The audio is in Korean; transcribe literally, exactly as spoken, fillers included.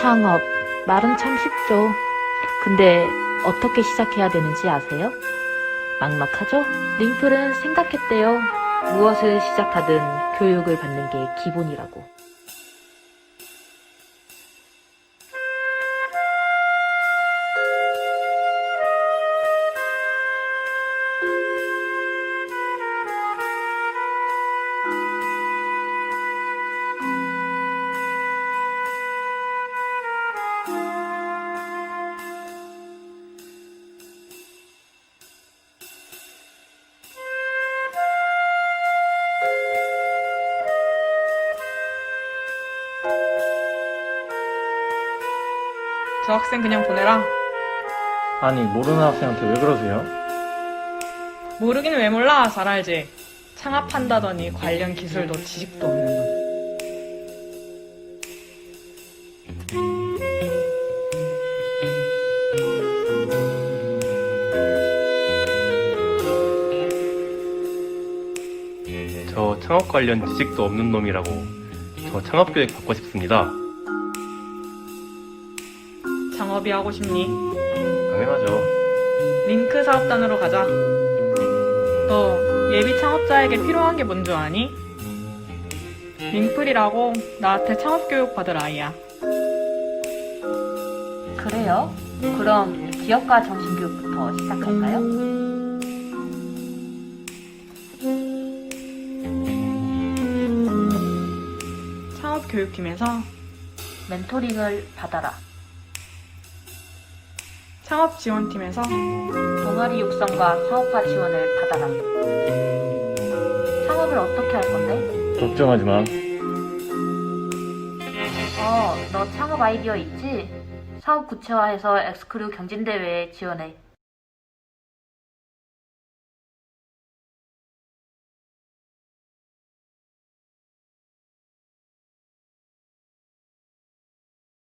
창업, 말은 참 쉽죠. 근데 어떻게 시작해야 되는지 아세요? 막막하죠? 링플은 생각했대요. 무엇을 시작하든 교육을 받는 게 기본이라고. 저 학생 그냥 보내라. 아니, 모르는 학생한테 왜 그러세요? 모르긴 왜 몰라. 잘 알지. 창업한다더니 관련 기술도 지식도 없는 놈. 저 창업 관련 지식도 없는 놈이라고. 저 창업교육 받고 싶습니다. 창업이 하고 싶니? 당연하죠. 링크 사업단으로 가자. 너 예비 창업자에게 필요한 게 뭔 줄 아니? 링플이라고 나한테 창업교육 받을 아이야. 그래요? 그럼 기업가 정신교육부터 시작할까요? 창업교육팀에서 멘토링을 받아라. 창업지원팀에서 동아리 육성과 사업화 지원을 받아라. 창업을 어떻게 할 건데? 걱정하지 마. 어, 너 창업 아이디어 있지? 사업 구체화해서 엑스크루 경진대회에 지원해.